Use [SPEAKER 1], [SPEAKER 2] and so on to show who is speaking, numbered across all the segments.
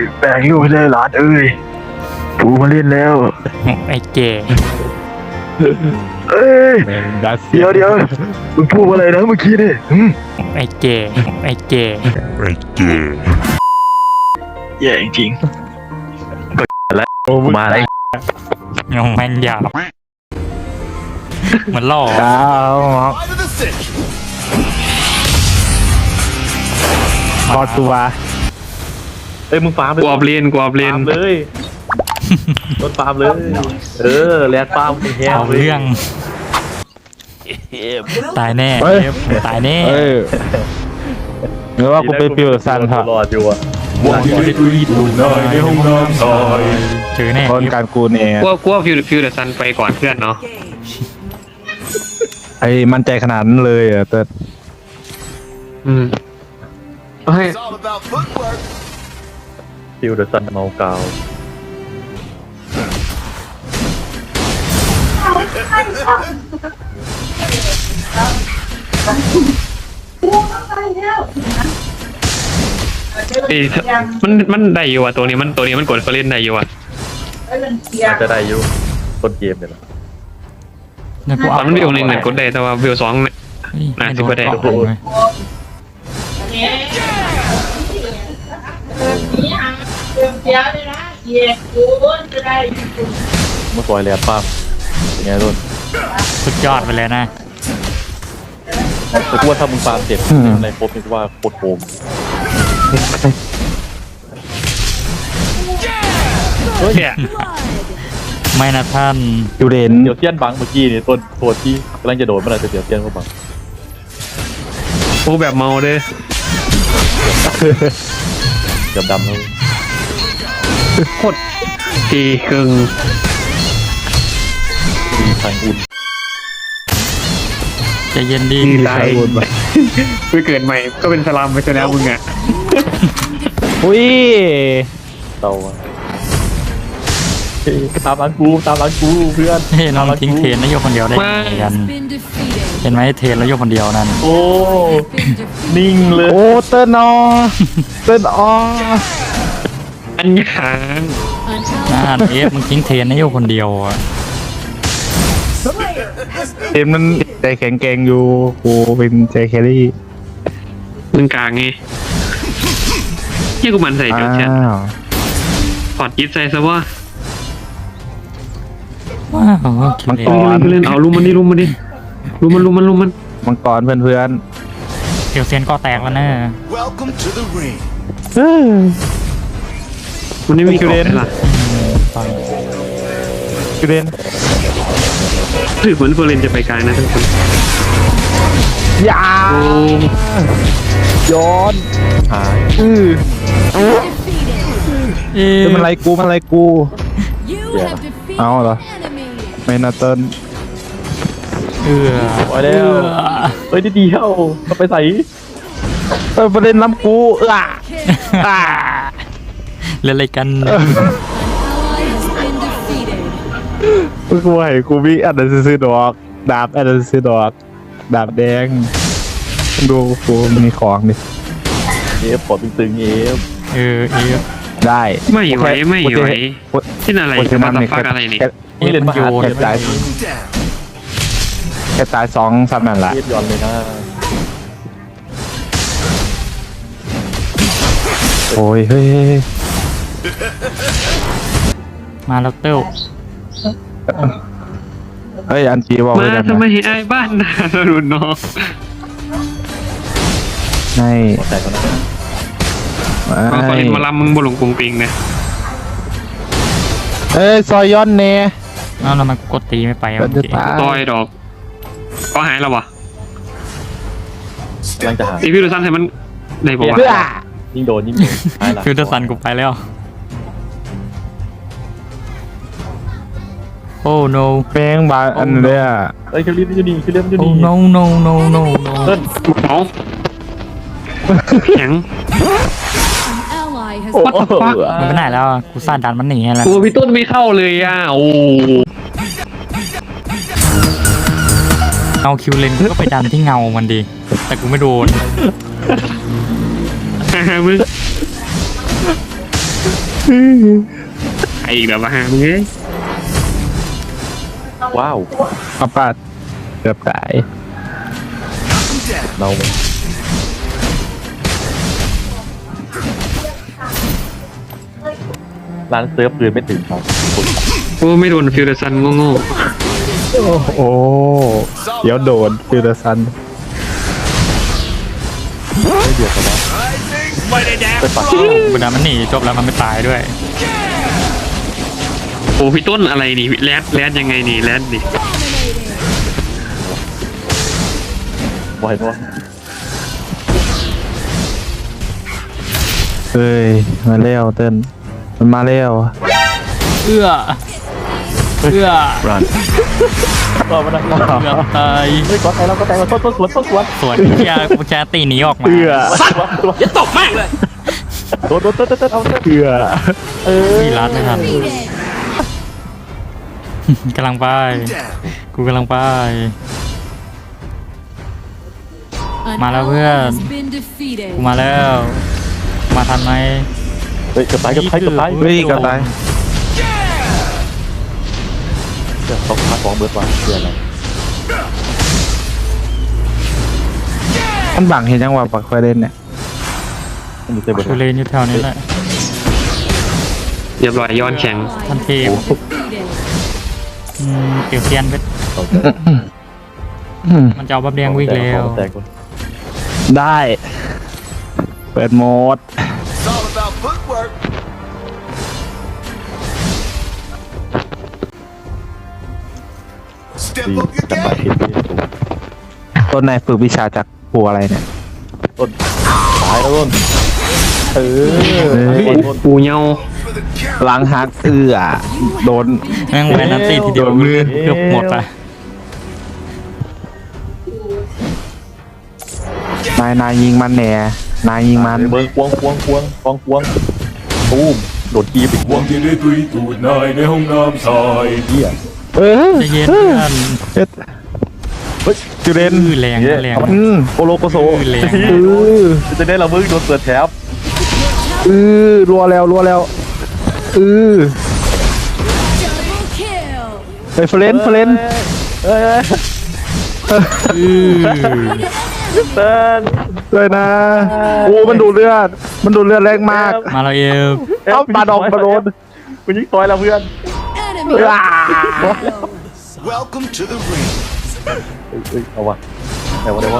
[SPEAKER 1] แบ่งลูกให้ได้หลานเอ้ยปูมาเล่นแล้ว
[SPEAKER 2] ไอ้เก๋
[SPEAKER 1] เอ้ยเดี๋ยวมึงพูดอะไรนะเมื่อกี้นี่
[SPEAKER 2] ไอ้เก๋
[SPEAKER 1] แย่จริงก็แล้วมาอะไร
[SPEAKER 2] ยังแม่นหยาบมันล่อ
[SPEAKER 1] พอตัวมึงฟาร์มเลย
[SPEAKER 3] กวาบเรียน
[SPEAKER 1] เลยรถฟาร์มเลยแลนด์ฟาร์มแห้ง
[SPEAKER 2] เอาเรื่องตายแน่ตายแน่
[SPEAKER 1] หรือว่ากูไปฟิวซันครับรอดอยู่อ่ะวันที่ได้ดูหน่อยในห้องน้ำซอย
[SPEAKER 2] เจอแน่
[SPEAKER 1] คนการกูเนี่ย
[SPEAKER 3] กลัวฟิวเดอะซันไปก่อนเพื่อนเนาะ
[SPEAKER 1] ไอ้มั่นใจขนาดนั้นเลยอ่ะเติร์ด
[SPEAKER 3] ให้
[SPEAKER 1] ฟิวเดอะซันเมากาว
[SPEAKER 3] มันได้อยู่อ่ะตัวนี้มันกดเล่นได้อยู่อ่ะ
[SPEAKER 1] อาจจะได้อยู่ต้นเกมเนี่ยแหละ
[SPEAKER 3] ตอนมันวิวหนึ่งเนี่ยกดได้แต่ว่าวิวสองเนี่ยน่าจะไม่ได้
[SPEAKER 1] เมื่อก่อนเรียนป้ามเป็นไงรุ่น
[SPEAKER 2] สุดยอดไปเลยนะ
[SPEAKER 1] แต่กูว่าถ้ามึงฟาร์มเสร็จในครบนี่กูว่าโคตรโกง
[SPEAKER 2] ไม่นะท่าน
[SPEAKER 1] ยูเรนเดี๋ยวเตี้ยนบังเมื่อกี้นี่ต้นตัวที่กำลังจะโดดเมื่อไหร่จะเดี๋ยวเตี้ยนเขาบัง
[SPEAKER 3] โอ้แบบเมาเลย
[SPEAKER 1] เกือบดำเลย
[SPEAKER 3] โคตรตีกึ่ง
[SPEAKER 1] ทางอุ่น
[SPEAKER 2] จะเย็นดี
[SPEAKER 3] ตายไปเกิดใหม่ก็เป็นสลามไปซะแล้วมึงอ่ะ
[SPEAKER 1] อุ้ยเตาตามร้านกูเพื่อน
[SPEAKER 2] เฮ้ยน้องทิ้งเทรนแล้วโยกคนเดียวได้กันเห็นไหมเทรนแล้วโยกคนเดียวนั่น
[SPEAKER 1] โอ้นิ่งเลยโอ้เติ้ลอ
[SPEAKER 3] อันยาง
[SPEAKER 2] เอฟมึงทิ้งเทรนให้โยกคนเดียวอ่ะ
[SPEAKER 1] เทรนมันใจแข็งแกร่งอยู่กูเป็นใจแครี่
[SPEAKER 3] มึงกลางไงยี่กูมันใส่เดี๋ยวเช็ดถอดยิบใส่ซะว่า
[SPEAKER 2] มังก
[SPEAKER 3] รเล่นเอาลุมมันมั
[SPEAKER 1] งกรเพื่อน
[SPEAKER 2] เดี๋ยวเซียนก็แตกแล้วนะ
[SPEAKER 3] มันไม่มีกรอบล่ะ
[SPEAKER 1] คิวเรน
[SPEAKER 3] ถือเหมือนเฟอร์เรนจะไปไกลนะทุกคน
[SPEAKER 1] ยาย้อนหายมันอะไรกูเอาเหรอไม่น่าเติ้ลไปแล้วเฮ้ยดีเข้าไปใส่ประเด็นล้ำกู
[SPEAKER 2] เล่นอะไรกัน
[SPEAKER 1] กูให้กูวิ่งอันนั้นซื้อดอกดาบอันนั้นซื้อดอกดาบแดงดูกูมีของดิปอดตึงได้
[SPEAKER 3] ไม่ไหวที่อะไรจะมาตัดฟักอะไรนี่
[SPEAKER 1] เล่นมาหาแค่ตาย2 3นั่นแหละย้อนเลยนะโอ้ยเฮ้ย
[SPEAKER 2] มาแล้วเต้า
[SPEAKER 1] เฮ้ยอันจีบอก
[SPEAKER 3] มาทำไมไอ้บ้านนารุนน้อง
[SPEAKER 1] ไม่แต่ก็นะ
[SPEAKER 3] มาเล่นมาลำมึงบุหลงกรุงปิงนะ
[SPEAKER 1] ซอยย้อนเน่
[SPEAKER 2] แล้วมันกดตีไม่ไป
[SPEAKER 3] ต่อยดอกก็หายแล้ววะ
[SPEAKER 1] กำลังจะหา
[SPEAKER 3] ตีพี่ดูซันให้มันได้บอกว่า
[SPEAKER 1] ยิ่งโดน
[SPEAKER 2] ฟิวเตอร์ซันกูไปแล้วโอ้ no
[SPEAKER 1] แป้งบาอันเนี้ยคือเรียบอยู่นี่
[SPEAKER 2] โอ้ no
[SPEAKER 3] ต้นเอาแข็ง
[SPEAKER 2] มันไปไหนแล้วกูซาดันมันหนีแล้ว
[SPEAKER 3] กูพี่ต้นไม่เข้าเลยอ่ะโอ้
[SPEAKER 2] เอาคิวเลนก็ไปดันที่เงามันดีแต่กูไม่โดน
[SPEAKER 3] มึงไอ้อีกแล้วว่ามึงเอ้ย
[SPEAKER 4] ว้าว
[SPEAKER 1] อัปปาดเกือบตาย
[SPEAKER 4] เราร้านเซิร์ฟเดือนไม่ถึงครับ
[SPEAKER 3] โอ้ไม่โดนฟิวเดอร์ซันโง่
[SPEAKER 1] โอ้เดี๋ยวโดนฟิลเตอร์ซัน
[SPEAKER 4] ไม่เดือดกันแล้วไปปัก
[SPEAKER 2] บรรดามันหนีจบแล้วมันไม่ตายด้วย
[SPEAKER 3] ๆโอ้พี่ต้นอะไรนี่แรดยังไงนี่แรดนี่
[SPEAKER 4] บ่อยด้วย
[SPEAKER 1] เฮ้ยมาเร็วเต้นมันมาเร็ว
[SPEAKER 2] เอื้อ
[SPEAKER 4] รันต่อมาได้
[SPEAKER 2] เกือบตาย
[SPEAKER 4] เฮ้ยก็แต่เราก็แต่เราต้นสวน
[SPEAKER 2] สวนแกตีหนีออกมา
[SPEAKER 1] เอื้อ
[SPEAKER 3] อย่าตกมากเลย
[SPEAKER 4] โดนเอาเต้น
[SPEAKER 1] เอื้อ
[SPEAKER 2] มีรัดไม่ทันกำลังไปกูกำลังไป มาแล้วเพื่อนกูมาแล้วมาทันไหม
[SPEAKER 4] เฮ้ยกระต่าย
[SPEAKER 1] เฮ้ยกระต่าย
[SPEAKER 4] เขาพาของเบิร์ดว่าเพื่ออะไร
[SPEAKER 1] มันบังเห็นยังว่าปักไฟเล่นเนี่ย
[SPEAKER 4] มันอยู่เต็มไปหม
[SPEAKER 2] กู
[SPEAKER 4] ด
[SPEAKER 2] เลนอยู่แถวนี้แหละ
[SPEAKER 3] เรียบร้อยย้อนแข็ง
[SPEAKER 2] ทันเทพเกี่ยวเทียนไป มันจะเอาบับแดงวิ่งแล้ว
[SPEAKER 4] แตก
[SPEAKER 1] ได้ เปิดโหมด
[SPEAKER 5] It's all about footwork.
[SPEAKER 4] ดี
[SPEAKER 5] Step up your
[SPEAKER 4] กระต่าย
[SPEAKER 5] game.
[SPEAKER 4] ผิดที่สูง
[SPEAKER 1] ต้นนายฝึกวิชาจากครูอะไรเนี่ย
[SPEAKER 4] ต้นตายแล้วต้นเออ
[SPEAKER 3] ปูเงา
[SPEAKER 5] For the count.
[SPEAKER 1] ล้างฮักเอื้อโดน
[SPEAKER 2] แม่งแวนนัตตี้ทีเดียว
[SPEAKER 1] โดนมือ
[SPEAKER 2] เกือบหมดอะ
[SPEAKER 1] นายยิงมันแหน่นายยิงมัน
[SPEAKER 4] เบิร์ดควงตูมโดดกีบอีกควง
[SPEAKER 5] ที่ได้ตุยตูดนายในห้องน้ำชาย
[SPEAKER 4] เหี้ย
[SPEAKER 2] ใจเย็นเพื่อน
[SPEAKER 1] เฮ็ดเฮ้ยจูเรน
[SPEAKER 2] อื้อแรงนะแรงนะ
[SPEAKER 1] โปโลโกโซ
[SPEAKER 2] แรง
[SPEAKER 4] จะได้เราเบิร์ดโดนเปิดแถบ
[SPEAKER 1] รัวแล้วเฮ้ยเฟรน
[SPEAKER 4] เฮ้ย
[SPEAKER 2] อื้อ
[SPEAKER 4] เต้น
[SPEAKER 1] เลยนะโอ้มันดูดเลือดแรงมาก
[SPEAKER 2] มาแล้วเอฟ
[SPEAKER 1] เอ้าปาดอกมาโดน
[SPEAKER 4] คุณยิงต่อยเราเพื่อน
[SPEAKER 1] อ้า
[SPEAKER 5] Welcome to the ring.
[SPEAKER 4] เอ้ยเอาวะแต่ว่า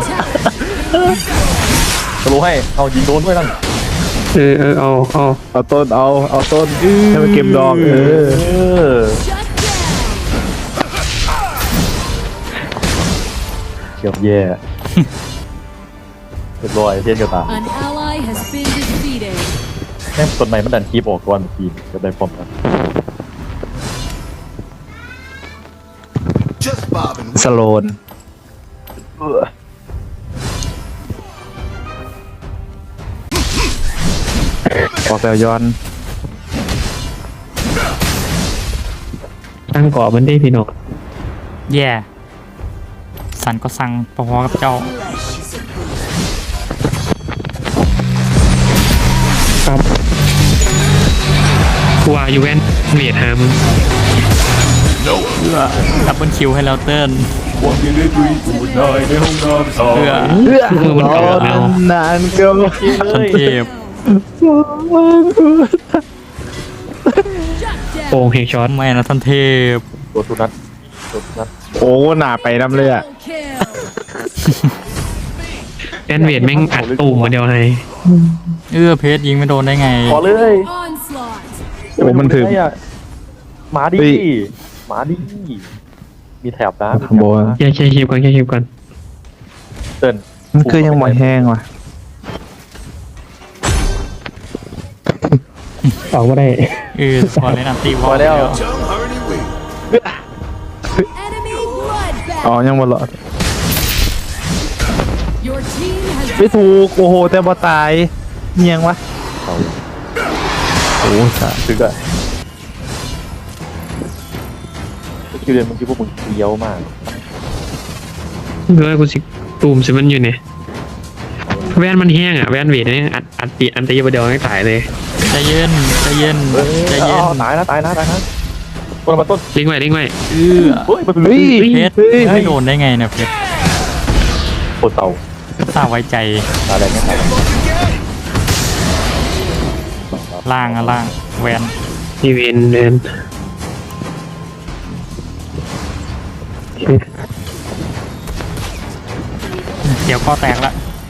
[SPEAKER 4] สโลให้เอายิงโดนด้วยนั่น
[SPEAKER 3] เอา
[SPEAKER 1] ต้นเอาต้นให้มันเก็บดอก
[SPEAKER 4] เกือบแย่เรียบร้อยเทียนกระตา
[SPEAKER 6] An ally has been defeated.
[SPEAKER 4] แม่งต้นไม้มันดันคีบออกก่อนทีมจะได้พร้อมกัน
[SPEAKER 5] Just bobbing.
[SPEAKER 1] สโลนออกแบบย้อน
[SPEAKER 3] ตั้งก่อมันได้พี่น้อง
[SPEAKER 2] แย่สันก็สั่งพอๆกับเจ้า
[SPEAKER 3] ครับกูว่าอยู่แวนเวียดหามึง
[SPEAKER 2] เพื่อดับเบิลคิวให้เราเติ้ล
[SPEAKER 5] วันที่ได้ตุยตูดนายในห้องน้ำชา
[SPEAKER 2] เพื่อย
[SPEAKER 3] มือมันเก่าแล้ว
[SPEAKER 1] นานเกิน
[SPEAKER 2] ทันเทพ
[SPEAKER 3] โป่งเฮกช็อต
[SPEAKER 2] ไม่นะทันเทพ
[SPEAKER 4] ตัวทุนัท
[SPEAKER 1] โอ้หนาไปน้ำเลยอ่ะ
[SPEAKER 6] Kill.
[SPEAKER 3] แอนเวียดแม่งอัดตูมมาเดียวให้
[SPEAKER 2] เพชรยิงไม่โดนได้ไง
[SPEAKER 4] ขอเลย
[SPEAKER 6] Onslaught.
[SPEAKER 1] โอ้มันถึง
[SPEAKER 4] มาดิ
[SPEAKER 1] เฮ้ย
[SPEAKER 4] มาดิมีแถบนะ
[SPEAKER 1] ขโมย
[SPEAKER 3] แค่คลิปก่อน
[SPEAKER 4] เติ้น
[SPEAKER 1] มันคือยังบ่แห้งว่ะ
[SPEAKER 3] ออกมาได้
[SPEAKER 2] พอเล่นอันตีวอ
[SPEAKER 4] พอ
[SPEAKER 2] ล
[SPEAKER 4] แล้ว
[SPEAKER 5] Don't hurry wing.
[SPEAKER 6] Enemy bloodbath.
[SPEAKER 1] อ๋อยังบ่หลอด
[SPEAKER 6] Your team has
[SPEAKER 1] ไม่ถูกโอ้โหแต่บ่ตายเมียงวะโอ้สา
[SPEAKER 4] ถึงอะคิวเรียนมึงคิดว่ามึงเลี้ยวมาก
[SPEAKER 3] เพื่อกูสิตูมสิมันอยู่เนี่ยแว่นมันแห้งอ่ะแว่นเวทนี่อันตีประเดี๋ยวไม่ตายเลย
[SPEAKER 2] ใจเย็นใจเย็นใจเย็น
[SPEAKER 4] ตายนะต้นมาต้น
[SPEAKER 3] ลิงไว้
[SPEAKER 2] เฮ้ย
[SPEAKER 4] เฮ้ยมันเป็น
[SPEAKER 2] เพชรไม่โดนได้ไงเนี่ยเพชร
[SPEAKER 4] โคตรเต่า
[SPEAKER 2] สาวไว้ใจ
[SPEAKER 4] ตายแรงไม่ตาย
[SPEAKER 2] ล่างอะล่างแวน
[SPEAKER 3] มีเวนเวน
[SPEAKER 2] เดี๋ยวก็แตกละ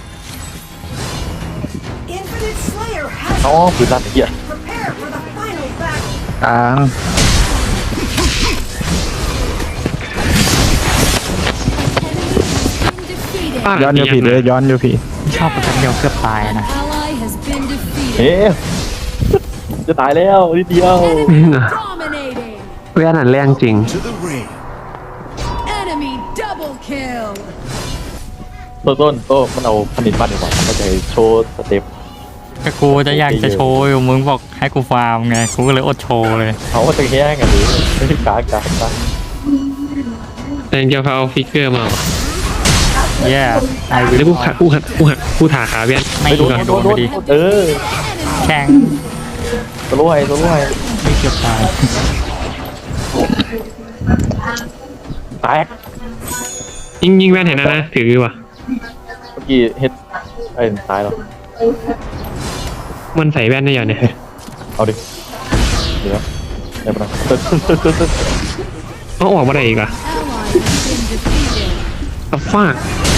[SPEAKER 6] Infinite Slayer has
[SPEAKER 4] อ๋อปืนลั่นไอ้เหี้ย
[SPEAKER 6] prepared for the final battle.
[SPEAKER 1] กลาง
[SPEAKER 6] Been defeated.
[SPEAKER 1] ย้อนอยู่ผิดเลยย้อนอยู่ผิด
[SPEAKER 2] ชอบประจันเดียวเกือบตายนะ
[SPEAKER 6] Ally has been defeated.
[SPEAKER 4] เอ๊ะจะตายแล้วนิดเดียว
[SPEAKER 6] Dominating.
[SPEAKER 3] แว่นอันแรงจริง
[SPEAKER 5] To the ring.
[SPEAKER 6] Enemy double kill.
[SPEAKER 4] ต้นมันเอาผลิตบ้านดีกว่ามันก็จะโชว์สเต็ป
[SPEAKER 2] ก็กูจะอยากจะโชว์อยู่มึงบอกให้กูฟาร์มไงกูก็เลยอดโชว์เลย
[SPEAKER 4] เขาก็จะแย่งกันหรือไม่ใช่กาก
[SPEAKER 3] แต่เดี๋ยวเขาเอาฟิกเกอร์มา
[SPEAKER 2] แย่ไอวิ
[SPEAKER 3] แล้ว
[SPEAKER 2] ล
[SPEAKER 3] กูถาขาแว่น
[SPEAKER 2] ไม่
[SPEAKER 4] โด
[SPEAKER 2] โด
[SPEAKER 4] น
[SPEAKER 2] นไปดิ
[SPEAKER 4] เออ
[SPEAKER 2] แข่ง
[SPEAKER 4] ตัวรู้ไห้
[SPEAKER 2] ไม่เกือบตาย
[SPEAKER 4] แตก
[SPEAKER 3] ยิงแว่นเห็นนะถือว่ะ
[SPEAKER 4] เมื่อกี้เฮ็ดไอ้ตายแล้ว
[SPEAKER 3] มันใส่แว่นได้ยังเนี่ย
[SPEAKER 4] เอาดิเดี๋ยวได้ปะ
[SPEAKER 3] เอาออกมาได้อีกอ่ะ
[SPEAKER 6] Ally has been defeated.
[SPEAKER 3] ตับฟาก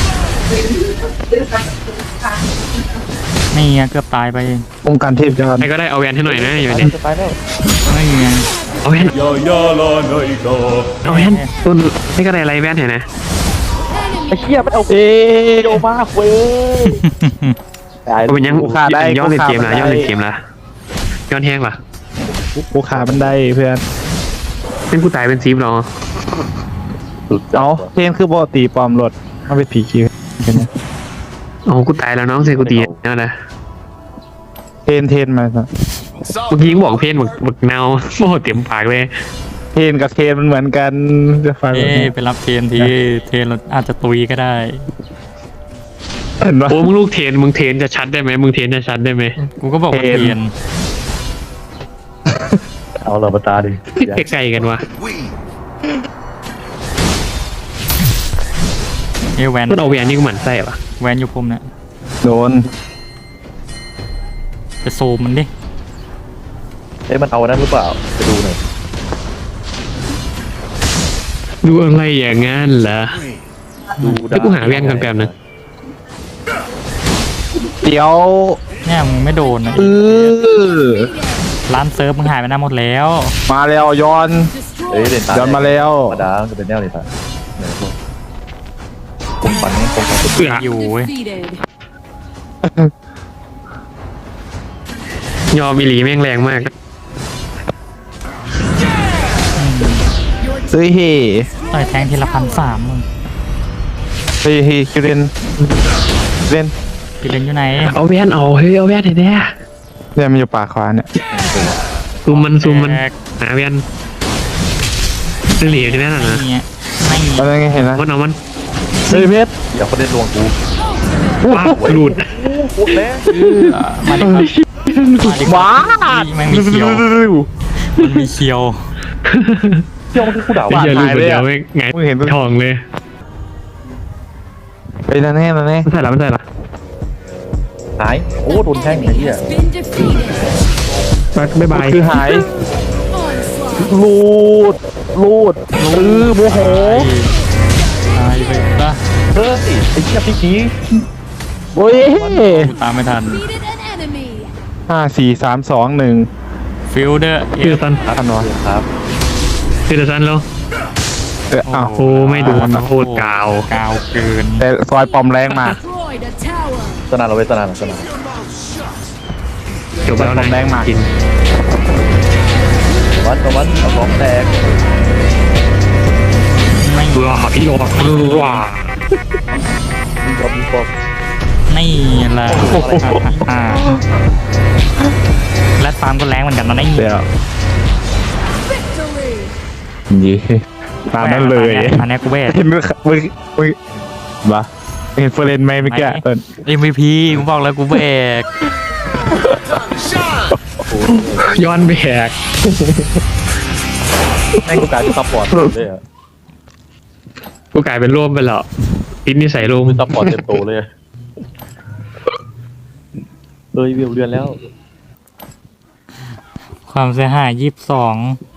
[SPEAKER 2] นี่ไงเกือบตายไปเอง
[SPEAKER 1] องค์การเทพย้อน
[SPEAKER 3] ใครก็ได้เอาแว่นให้หน่อยนะอยู่
[SPEAKER 4] ตาย
[SPEAKER 3] เนี่ย
[SPEAKER 4] จะตายแล้ว
[SPEAKER 2] ไม่ไง
[SPEAKER 3] เอาแว่น
[SPEAKER 5] Ya ya la naida.
[SPEAKER 3] เอาแว่นต้นให้ก็ได้ไรแว่นเห็นนะ
[SPEAKER 4] ไอ้
[SPEAKER 6] Enemy
[SPEAKER 4] เหี้ยมันเอาโยมาเว้ยตาย
[SPEAKER 3] เอาเป็นยังย้อนเล่นเกมละย้อนเล่นเกมละย้อนแห้งล่ะ
[SPEAKER 1] กูขาบันไดเพื่อน
[SPEAKER 3] เป็นกูตายเป็นซีฟหรอ
[SPEAKER 1] เอาเทนคือปกติปลอมรถเอาไปผีคิวกันนะ
[SPEAKER 3] โอ้กูตายแล้วน้องเซกูตีแล้วนะ
[SPEAKER 1] เทนมาซะ
[SPEAKER 3] เมื่อกี้ยังบอกเพนบักเนาโม่เต็มปากเลย
[SPEAKER 1] เทนกับเทนมันเหมือนกันจะฟัง
[SPEAKER 2] เอ้ไปรับเทนทีเทนเราอาจจะตุยก็ได้
[SPEAKER 1] เห็นปะ
[SPEAKER 3] โอ้มึงลูกเทนมึงเทนจะชัดได้ไหมมึงเทนจะชัดได้ไหม
[SPEAKER 2] กูก็บอกว่า
[SPEAKER 1] เทน
[SPEAKER 2] เทน
[SPEAKER 4] เอาเรามาตาดิ
[SPEAKER 3] ใกล้ๆกันวะ
[SPEAKER 5] We
[SPEAKER 2] เอ้แวน
[SPEAKER 3] มันเอาแวนนี่กูหมั่นไส้ปะ
[SPEAKER 2] แวนอยู่ผมเนี่ย
[SPEAKER 1] โดน
[SPEAKER 2] จะโซมมันดิ
[SPEAKER 4] เอ้ยมันเอานั้นหรือเปล่าไปดูหน่อย
[SPEAKER 3] ดูอะไรอย่างงั้นเหรอ
[SPEAKER 5] ring.
[SPEAKER 4] ดู
[SPEAKER 3] ให้กูหาแว่นก่อนแป๊บนึง
[SPEAKER 1] เดี๋ยว
[SPEAKER 2] เนี่ยมึงไม่โดนนะ ร้านเซิร์ฟมึงหายไปหน้าหมดแล้ว
[SPEAKER 1] มาแล้วย้อน
[SPEAKER 4] เอ้ย
[SPEAKER 6] destroyed.
[SPEAKER 4] เด่นตา
[SPEAKER 1] ย้อนมาแล้ว
[SPEAKER 4] ธรรมดาจะเป็นแนวเลยตาเนี่ยพวกผมฝันนี่ผมฝัน
[SPEAKER 3] เสือ
[SPEAKER 2] อยู่เว้ย
[SPEAKER 6] Defeated.
[SPEAKER 3] ยอมอีหลีแม่งแรงมาก
[SPEAKER 1] เฮ้ยเฮ้
[SPEAKER 2] ต่อยแทงทีละ1,300มึง
[SPEAKER 1] เฮ้ยคิวเรนเล่น
[SPEAKER 2] พี่เล่นอยู่ไหน
[SPEAKER 3] เอาแว่นเอาเฮ้ยเอาแว่นให้แน่
[SPEAKER 1] เนี่ยมันอยู่ป่าขวาเนี่ย
[SPEAKER 3] ซูมมัน
[SPEAKER 2] แตก
[SPEAKER 3] หาแว่นเหลียวที่แม่นนะ
[SPEAKER 2] นี่ไงไม่
[SPEAKER 1] อะไรไงเห็นนะ
[SPEAKER 3] มันเอามัน
[SPEAKER 1] เฮ้ยเพชร
[SPEAKER 4] เดี๋ยวเขาเล่นลวงกู
[SPEAKER 3] ว้าหลุด
[SPEAKER 4] พูดแล้ว
[SPEAKER 2] มาดิครับ
[SPEAKER 1] ว้า
[SPEAKER 2] มันมีเคียวมันมีเคียว
[SPEAKER 4] เที่ยวมันคือกูด่า
[SPEAKER 3] ไอ้
[SPEAKER 4] ว่า
[SPEAKER 3] เหี้ยหลุดเดียวไม่ไง
[SPEAKER 1] มึงเห็นปะ
[SPEAKER 3] ทองเลย
[SPEAKER 1] ไปนั่นแน่
[SPEAKER 3] ไม่ใช่ละ
[SPEAKER 4] หายโอ้โดนแท่ง
[SPEAKER 6] Enemy
[SPEAKER 4] ไอ้เหี้ย
[SPEAKER 6] has been defeated.
[SPEAKER 3] บ๊ายบาย
[SPEAKER 1] คือหาย
[SPEAKER 6] Onslaught.
[SPEAKER 1] ลูดโมโห
[SPEAKER 2] ตายไปซะ
[SPEAKER 4] เฮ้ยไอ้เหี้ยพี่กี้
[SPEAKER 1] โอ้ย
[SPEAKER 2] กูตามไม่ทัน
[SPEAKER 6] Defeated an enemy.
[SPEAKER 1] 5 4 3 2
[SPEAKER 2] ฟิลเดอร์
[SPEAKER 3] คือซัน
[SPEAKER 1] 1ทันวะ
[SPEAKER 4] ครับ
[SPEAKER 3] คือซันแล้ว
[SPEAKER 1] อ้าว
[SPEAKER 3] โอ้ไม่โดนโคตรกาว
[SPEAKER 2] กาวเกิน
[SPEAKER 1] แต่ซอยปอมแรงมาก
[SPEAKER 6] Destroyed a tower.
[SPEAKER 4] สนานเราไปสนาน
[SPEAKER 3] จบแล้วนะ
[SPEAKER 1] แรงมาก
[SPEAKER 3] กิน
[SPEAKER 4] วัดเอาของแตก
[SPEAKER 2] ไม่
[SPEAKER 3] ว้าพี่โลว้า
[SPEAKER 4] มีปอบ
[SPEAKER 2] นี่แหละและฟาร์มก็แรงเหมือนกันนะนี่
[SPEAKER 1] เดี๋ยว
[SPEAKER 6] Victory.
[SPEAKER 1] ยี่ตามนั้นเลย
[SPEAKER 2] อันนี้กูแวด
[SPEAKER 1] มึงบ้าเห็นเฟรนไหมเมื่อกี้ตอน
[SPEAKER 2] MVP กูบอกแล้วกูแบก
[SPEAKER 3] ย้อนแบก
[SPEAKER 4] แม่งกูกลายเป็นซัพพอร์ตเลยอ่ะ
[SPEAKER 3] กูกลายเป็นร่วมไปแล้วติดนิสัยร่วม
[SPEAKER 4] เป็นซัพพอร์ตเต็มโตเลยอะวิวเรือนแล้ว
[SPEAKER 2] ความเสียหาย22